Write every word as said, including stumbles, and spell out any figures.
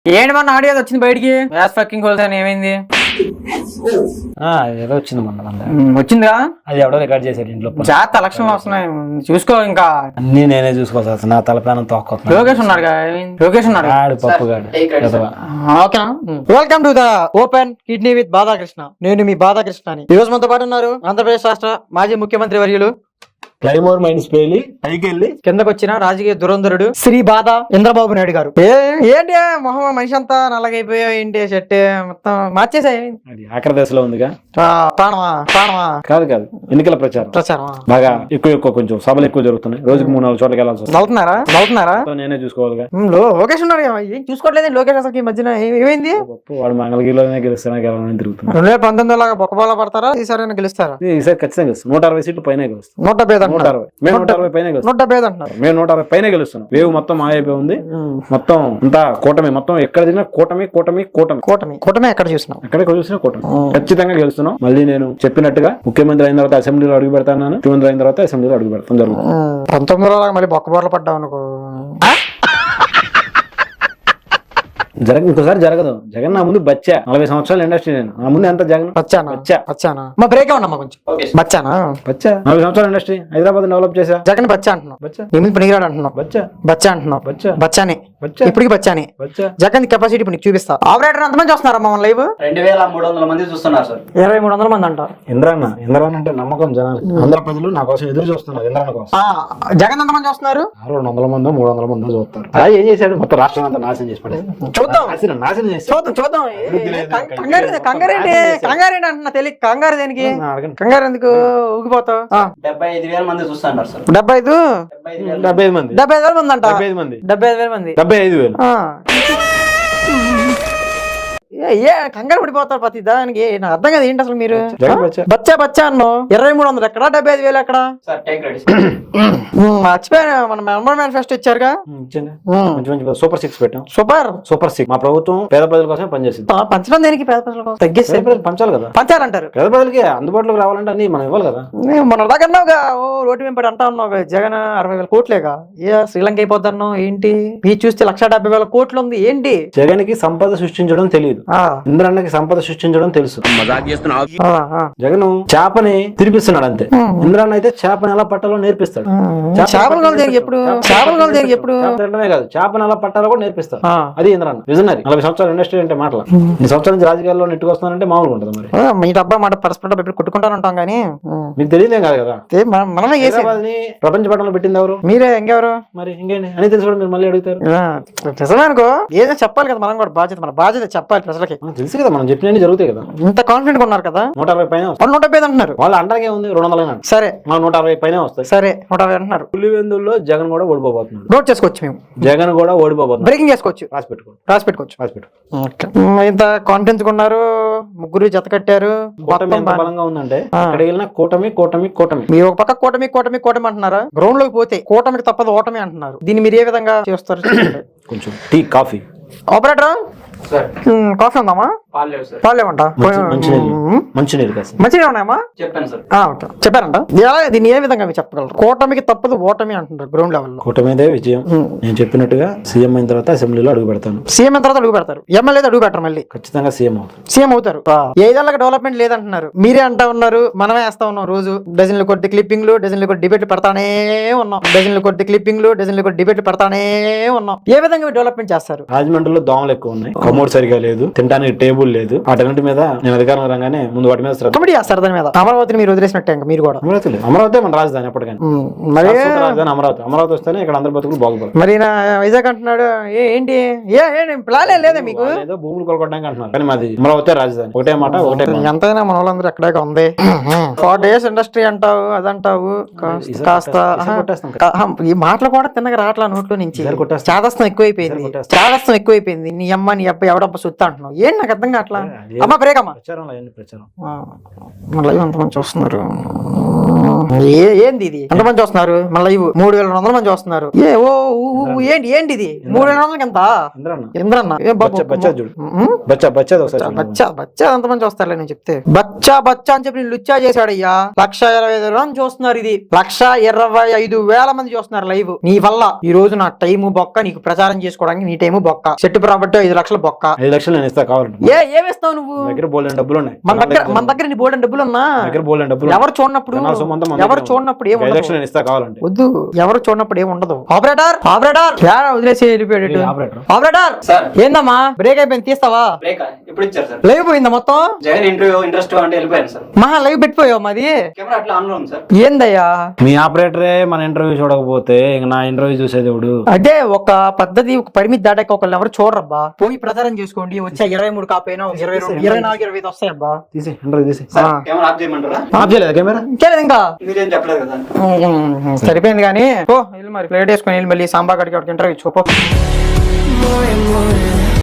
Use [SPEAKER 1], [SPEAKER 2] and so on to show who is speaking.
[SPEAKER 1] ఏంటి మన ఆడియో వచ్చింది బయటికి గ్యాస్ ఫకింగ్ హోల్స్ అని ఏమైంది?
[SPEAKER 2] ఏదో వచ్చింది మొన్న
[SPEAKER 1] ఉమ్, వచ్చిందిగా.
[SPEAKER 2] అది ఎవడో రికార్డ్ చేశాడు ఇంట్లో.
[SPEAKER 1] జాగ్రత్త ఎలక్షన్లు వస్తున్నాయి చూసుకో. ఇంకా
[SPEAKER 2] అన్ని నేనే చూసుకోవాల్సి వస్తుంది. నా తల ప్రాణం తోక్కొస్తుంది.
[SPEAKER 1] లోకేష్ ఉన్నారుగా, ఏమైంది? లోకేష్ ఉన్నారు.
[SPEAKER 2] ఆడు పప్పుగాడు.
[SPEAKER 1] ఓకేనా? Welcome to the open kidney with Badhakrishna. నేను మీ బాధాకృష్ణ. ఈ రోజు మనతో పాటు ఉన్నారు ఆంధ్రప్రదేశ్ రాష్ట్ర మాజీ ముఖ్యమంత్రి వర్యులు,
[SPEAKER 2] క్లైమోర్ మైండ్స్ పేలి పైకి వెళ్ళి
[SPEAKER 1] కిందకు వచ్చిన రాజకీయ దురంధరుడు శ్రీ బాధ చంద్రబాబు నాయుడు గారు. ఏ ఏంటి మొహం మనిషి అంతా నల్లగైపోయావు, ఏంటి షర్ట్ మొత్తం మార్చేసా?
[SPEAKER 2] అది ఆఖరి దశలో ఉందిగా.
[SPEAKER 1] ప్రాణమా ప్రాణమా?
[SPEAKER 2] కాదు కాదు ఎన్నికల ప్రచారం
[SPEAKER 1] ప్రచారమా
[SPEAKER 2] బాగా ఎక్కువ ఎక్కువ కొంచెం సభలు ఎక్కువ జరుగుతున్నాయి. రోజుకి మూడు నాలుగు చోట్లకి వెళ్ళాల్సి వస్తుంది.
[SPEAKER 1] నవ్వుతున్నారా నవ్వుతున్నారా
[SPEAKER 2] నేనే చూసుకోవాలిగా.
[SPEAKER 1] లోకేష్ ఉన్నారు, ఏం చూసుకోవట్లేదు లోకేష్ అసలు ఈ మధ్యన ఏమైంది?
[SPEAKER 2] వాడు మంగళగిరిలోనే గెలుస్తానా గెలవని తిరుగుతున్నాడు.
[SPEAKER 1] రెండు వేల పంతొమ్మిది లాగా బొక్కబాల పడతారా? ఈసారి గెలుస్తారా?
[SPEAKER 2] ఈసారి ఖచ్చితంగా గెలుస్తాం. నూట అరవై సీట్లు పైన గెలుస్తాం.
[SPEAKER 1] నూట డెబ్బై
[SPEAKER 2] నూట అరవై మేము నూట అరవై పైన
[SPEAKER 1] నూట డెబ్బై అంటున్నారు.
[SPEAKER 2] మేము నూట అరవై పైన గెలుస్తున్నాం. వేవ్ మొత్తం మాయైపోయి ఉంది. మొత్తం అంతా కూటమి. మొత్తం ఎక్కడ తిన్నా కూటమి కూటమి కూటమి
[SPEAKER 1] కూటమి కూటమి ఎక్కడ చూసినాం
[SPEAKER 2] ఎక్కడ చూసినా కూటమి. ఖచ్చితంగా గెలుస్తున్నాం. మళ్ళీ నేను చెప్పినట్టుగా ముఖ్యమంత్రి అయిన తర్వాత అసెంబ్లీలో అడుగు పెడతాను. ముఖ్యమంత్రి అయిన తర్వాత అసెంబ్లీలో అడుగు పెడతాం జరుగుతుంది.
[SPEAKER 1] పంతొమ్మిదిలో లాగా మళ్ళీ బొక్కబోర్లు పడ్డావు అనుకో.
[SPEAKER 2] జరగ ఇంకోసారి జరగదు. జగన్ నా ముందు బచ్చా. నలభై సంవత్సరాల ఇండస్ట్రీ. నేను నా ముందు ఎంత జగన్
[SPEAKER 1] బచ్చానా
[SPEAKER 2] బచ్చా
[SPEAKER 1] బచ్చానా మా బ్రేక్ ఉన్నా కొంచెం బచ్చానా
[SPEAKER 2] బచ్చా. నలభై సంవత్సరాల ఇండస్ట్రీ హైదరాబాద్ డెవలప్ చేసా.
[SPEAKER 1] జగన్ బచ్చా అంటున్నావు.
[SPEAKER 2] బచ్చా
[SPEAKER 1] ఏమి పనికిరాడు అంటున్నావు.
[SPEAKER 2] బచ్చా
[SPEAKER 1] బచ్చా అంటున్నావు.
[SPEAKER 2] బచ్చా
[SPEAKER 1] బచ్చానే
[SPEAKER 2] బచ్చా
[SPEAKER 1] ఇప్పటికి బచ్చానే.
[SPEAKER 2] బచ్చా
[SPEAKER 1] జగన్ కెపాసిటీ ఇప్పుడు నీకు చూపిస్తా. ఆపరేటర్ ఎంతమంది చూస్తున్నారా మమ్మల్ని లైవ్?
[SPEAKER 3] రెండు వేల మూడు వందల మంది చూస్తున్నారు సార్.
[SPEAKER 1] ఇరవై మూడు వందల మంది అంట.
[SPEAKER 2] ఇంద్రాన్న ఇంద్రాన్న అంటే నమ్మకం జనాలు. ఆంధ్ర ప్రజలు నా కోసం ఎదురు చూస్తున్నారు. ఇంద్రాన్న కోసం.
[SPEAKER 1] జగన్ ఎంతమంది చూస్తున్నారు?
[SPEAKER 2] రెండు వందల మందో మూడు వందల మందో చూస్తారు. అలా ఏం చేశాడు? మొత్తం రాష్ట్రం అంతా నాశనం చేసి పడేది.
[SPEAKER 1] చూద్దాం
[SPEAKER 2] నాశనం నాశనం చేసి
[SPEAKER 1] చూద్దాం చూద్దాం. కంగారు కంగారేంటి కంగారేంటి అంటున్నా తెలియక. కంగారు దేనికి? కంగారు ఎందుకు ఊగిపోతావు?
[SPEAKER 3] డెబ్బై ఐదు వేల మంది చూస్తున్నారు సార్.
[SPEAKER 1] డెబ్బై ఐదు
[SPEAKER 2] డెబ్బై ఐదు మంది
[SPEAKER 1] డెబ్బై ఐదు వేల మంది అంట.
[SPEAKER 2] డెబ్బై ఐదు మంది
[SPEAKER 1] డెబ్బై ఐదు వేల మంది
[SPEAKER 2] డెబ్బై ఐదు వేలు
[SPEAKER 1] ఏ కంగారు పడిపోతారు ప్రతి దానికి. నాకు అర్థం కదా ఏంటి అసలు మీరు
[SPEAKER 2] జగన్ బచ్చా.
[SPEAKER 1] బచ్చా బచ్చా అన్నో. ఇరవై మూడు వందలు ఎక్కడ, డెబ్బై ఐదు వేలు ఎక్కడ?
[SPEAKER 3] Sir take ready.
[SPEAKER 1] మర్చిపోయా మన మెంబర్ మేనిఫెస్టో ఇచ్చారుగా.
[SPEAKER 2] మంచి మంచి సూపర్ సిక్స్ పెట్టాం.
[SPEAKER 1] Super
[SPEAKER 2] super six. మా ప్రభుత్వం పేద ప్రజల కోసమే పనిచేసింది.
[SPEAKER 1] పంచడం దేనికి? పేద ప్రజల కోసం తగ్గిస్తే
[SPEAKER 2] పేద ప్రజలు పంచాలి కదా.
[SPEAKER 1] పంచారంటారు.
[SPEAKER 2] పేద ప్రజలకి అందుబాటులోకి రావాలంటే అన్ని మనం ఇవ్వాలి కదా.
[SPEAKER 1] మన దాకన్నావుగా ఓ రోడ్డు వెంపడి అంటా ఉన్నావు జగన్ అరవై వేల కోట్లేగా. ఏ శ్రీలంక అయిపోతాను ఏంటి? మీ చూస్తే లక్ష డెబ్బై వేల కోట్లు ఉంది ఏంటి?
[SPEAKER 2] జగన్ కి సంపద సృష్టించడం తెలియదు. ఇంద్రన్నకి సంపద సృష్టించడం తెలుసు. జగన్ చేపని తినిపిస్తున్నాడు అంతే. ఇంద్రన్న అయితే చేపని ఎలా పట్టాలో నేర్పిస్తాడు.
[SPEAKER 1] చేపలు ఎప్పుడు చేపలు ఎప్పుడు
[SPEAKER 2] తినడమే కాదు, చేపని ఎలా పట్టాలో కూడా నేర్పిస్తాడు. అది ఇంద్రన్న విజనరీ. నలభై సంవత్సరాల ఇండస్ట్రీ అంటే మాటలు. ఈ సంవత్సరాల నుంచి రాజకీయాల్లో నెట్టుకొస్తున్నానంటే మామూలుగా ఉంటుంది. మరి
[SPEAKER 1] మీ డబ్బా మాట పరస్పరం ఎప్పుడు కొట్టుకుంటాను ఉంటాం కానీ
[SPEAKER 2] మీకు తెలియదేం కాదు కదా.
[SPEAKER 1] మనమే
[SPEAKER 2] ప్రపంచ పట్టణంలో పెట్టింది ఎవరు?
[SPEAKER 1] మీరే. ఇంకెవరు మరి?
[SPEAKER 2] ఇంకేంటి అని తెలుసు మీరు మళ్ళీ అడుగుతారు.
[SPEAKER 1] నిజమే అనుకో. ఏదో చెప్పాలి కదా మనం కూడా. బాధ్యత మన బాధ్యత చెప్పాలి ప్రజలకి.
[SPEAKER 2] తెలుసు కదా మనం చెప్పినవి జరుగుతాయి కదా.
[SPEAKER 1] ఇంత కాన్ఫిడెంట్ గా ఉన్నారు కదా.
[SPEAKER 2] నూట అరవై పైన
[SPEAKER 1] నూట డెబ్బై అంటున్నారు.
[SPEAKER 2] వాళ్ళు అంటాకే ఉంది రెండు వందల
[SPEAKER 1] సరే
[SPEAKER 2] మా నూట అరవై పైన వస్తాయి.
[SPEAKER 1] సరే నూట అరవై అంటున్నారు.
[SPEAKER 2] పులివెందుల్లో జగన్ కూడా ఓడిపోబోతున్నాడు.
[SPEAKER 1] నోట్ చేసుకోవచ్చు. మేము జగన్
[SPEAKER 2] కూడా ఓడిపోబోతున్నాడు.
[SPEAKER 1] బ్రేకింగ్ చేసుకోవచ్చు.
[SPEAKER 2] రాసి పెట్టుకో రాసి
[SPEAKER 1] పెట్టుకోవచ్చు
[SPEAKER 2] రాసి పెట్టుకో.
[SPEAKER 1] ఇంత కాన్ఫిడెన్స్ ఉన్నారు. ముగ్గురు జత కట్టారు.
[SPEAKER 2] కూటమి ఎంత బలంగా ఉందంటే అక్కడ వెళ్ళిన కూటమి కూటమి కూటమి.
[SPEAKER 1] మీరు ఒక పక్క కూటమి కూటమి కూటమి అంటున్నారా? గ్రౌండ్ లోకి పోతే కూటమికి తప్పదు ఓటమి అంటున్నారు. దీన్ని మీరు ఏ విధంగా చేస్తారు?
[SPEAKER 2] కొంచెం టీ కాఫీ.
[SPEAKER 1] ఆపరేటర్ కాఫీ ఉందామా? పాలేమంట
[SPEAKER 2] మంచినీరు
[SPEAKER 1] మంచిగా ఉన్నాయమ్మా?
[SPEAKER 3] చెప్పాను సార్.
[SPEAKER 1] చెప్పారంట. దీన్ని ఏ విధంగా మీరు చెప్పగలరు? కూటమికి తప్పదు ఓటమి అంటున్నారు గ్రౌండ్ లెవెల్ లో.
[SPEAKER 2] కూటమిదే విజయం. నేను చెప్పినట్టుగా సీఎం అయిన తర్వాత అసెంబ్లీలో అడుగు పెడతాను.
[SPEAKER 1] సీఎం అయిన తర్వాత అడుగు పెడతారు. ఎమ్మెల్యే అడుగు పెట్టరు. మళ్ళీ ఖచ్చితంగా
[SPEAKER 2] సీఎం అవుతారు.
[SPEAKER 1] సీఎం అవుతారు. ఏదేళ్ళకి డెవలప్మెంట్ లేదంటున్నారు. మీరే అంటా ఉన్నారు. మనమే వేస్తా ఉన్నాం. రోజు డజన్లు కొద్ది క్లిప్పింగ్లు డజన్లు కొద్ది డిబేట్లు పెడతానే ఉన్నాం. డజన్లు కొద్ది క్లిప్పింగ్లు డజన్లు కొద్ది డిబేట్లు పెడతానే ఉన్నాం. ఏ విధంగా డెవలప్మెంట్ చేస్తారు?
[SPEAKER 2] రాజమండ్రిలో దోమలు ఎక్కువ ఉన్నాయి. కమోడ్ సరిగా లేదు. తినడానికి టేబుల్ లేదు. వాటన్నిటి మీద నేను అధికారం రాగానే ముందు వాటి మీద
[SPEAKER 1] కమిటీ చేస్తారు. దాని మీద అమరావతిని మీరు వదిలేసినట్టే మీరు కూడా.
[SPEAKER 2] అమరావతి అమరావతి మన రాజధాని ఎప్పటికైనా. మరి రాజధాని అమరావతి. అమరావతి వస్తేనే ఇక్కడ అందరి బతుకులు బాగుపడతాయి.
[SPEAKER 1] మరి నా వైజాగ్ అంటున్నాడు. ఏంటి ఏ ప్లాన్ లేదా మీకు?
[SPEAKER 2] ఏదో భూములు కొనుక్కోవడానికి అంటున్నారు. కానీ మాది అమరావతి రాజధాని. ఒకటే మాట ఒకటే.
[SPEAKER 1] ఎంతైనా మన వాళ్ళందరూ ఎక్కడే ఉంది. ఫార్టీ ఇయర్స్ ఇండస్ట్రీ అంటావు అదంటావు. కాస్త ఈ మాటలు కూడా తిన్నగా రావట్లా నోట్లో నుంచి. చాదస్తం ఎక్కువైపోయింది. చాదస్తం ఎక్కువైపోయింది. నీ అమ్మ నీ అబ్బాయి ఎవడబ్బ సుత్తా అంటున్నావు ఏంటి నాకు అర్థం కావట్లా అమ్మా బ్రేక్ అమ్మా
[SPEAKER 2] ప్రచారంలో అయ్యింది ప్రచారం
[SPEAKER 1] మళ్ళీ ఎంతమంది చూస్తున్నారు ఏ ఏంది ఇది ఎంతమంది చూస్తున్నారు మళ్ళీ ఇవి మూడు వేల వందల మంది చూస్తున్నారు ఏ ఓ ఊ, ఊ, ఏంటి ఏంటి ఇది మూడు వేల వందలకి ఎంత
[SPEAKER 2] ఇంద్రన్న
[SPEAKER 1] ఇంద్రన్న ఏ బాబు
[SPEAKER 2] బచ్చా బచ్చా చూడు
[SPEAKER 1] ఉమ్,
[SPEAKER 2] బచ్చా బచ్చా ఒకసారి చూడు.
[SPEAKER 1] బచ్చా బచ్చా ఎంతమంది చూస్తారులే నేను చెప్తే బచ్చా బచ్చా అని చెప్పి నేను లుచ్చా చేశాడయ్యా లక్ష ఇరవై ఐదు మంది చూస్తున్నారు ఇది లక్ష ఇరవై ఐదు వేల మంది చూస్తున్నారు లైవ్ నీ వల్ల ఈ రోజు నా టైము బొక్క నీకు ప్రచారం చేసుకోవడానికి నీ టైము బొక్క సెట్ ప్రాపర్టీ ఐదు లక్షల బొక్క
[SPEAKER 2] ఐదు లక్షలు నేను ఇస్తా కావాలంటే
[SPEAKER 1] ఏ ఏమిస్తావు నువ్వు
[SPEAKER 2] నా దగ్గర బోల్డెన్ డబ్బులు ఉన్నాయి
[SPEAKER 1] మన దగ్గర మన దగ్గర నీ బోర్డు డబ్బులు ఉన్నా
[SPEAKER 2] నా దగ్గర బోల్డెన్ డబ్బులు
[SPEAKER 1] ఎవరు చూడనప్పుడు
[SPEAKER 2] నా సొమ్మంతా మన
[SPEAKER 1] ఎవరు
[SPEAKER 2] దగ్గర
[SPEAKER 1] చూడనప్పుడు
[SPEAKER 2] ఉంది.
[SPEAKER 1] ఏం
[SPEAKER 2] ఐదు
[SPEAKER 1] ఉండదు
[SPEAKER 2] లక్షలు నేను ఇస్తా కావాలంటే
[SPEAKER 1] వద్దు ఎవరు చూడనప్పుడు ఏం ఉండదు ఆపరేటర్ ఆపరేటర్ యాడ వదిలేసి వెళ్ళిపోయాడు
[SPEAKER 2] ఏ ఆపరేటర్?
[SPEAKER 1] ఆపరేటర్
[SPEAKER 3] సార్
[SPEAKER 1] ఏందమ్మా బ్రేక్ అయిపోయింది తీస్తావా
[SPEAKER 3] బ్రేక్ ఇప్పుడు ఇచ్చారు సార్
[SPEAKER 1] లైవ్ పోయిందా మొత్తం
[SPEAKER 3] జగన్ ఇంటర్వ్యూ ఇంట్రెస్ట్ అంటే వెళ్ళిపోయాను సార్
[SPEAKER 1] మహా లైవ్ పెట్టిపోయావు మాది
[SPEAKER 3] కెమెరా అట్లా ఆన్ లో ఉంది సార్
[SPEAKER 1] ఏందయ్యా
[SPEAKER 2] మీ ఆపరేటరే మన ఇంటర్వ్యూ చూడకపోతే ఇంక నా ఇంటర్వ్యూ చూసేది ఎవడు
[SPEAKER 1] అదే ఒక పద్ధతి ఒక పరిమితి దాటాక ఒకళ్ళు ఎవరు చూడరబ్బా పోయి ప్రచారం చేసుకోండి వచ్చే ఇరవై మూడు కాపైనా ఒక ఇరవై రెండు ఇరవై నాలుగు ఇరవై ఐదు వస్తాయబ్బా
[SPEAKER 2] తీసి ఇంటర్వ్యూ తీసి
[SPEAKER 3] సార్ కెమెరా ఆఫ్ చేయమంటారా
[SPEAKER 2] ఆఫ్ చేయలేదు కెమెరా
[SPEAKER 1] ఇంకేలేదు ఇంకా
[SPEAKER 3] మీరేం చెప్పలేదు కదా
[SPEAKER 1] ఉమ్, సరిపోయింది కానీ పో వెళ్ళి మరి ప్లేట్ వేసుకొని వెళ్ళి మళ్ళీ సాంబార్ గడికి ఇంటర్వ్యూ ఇచ్చుకో పో.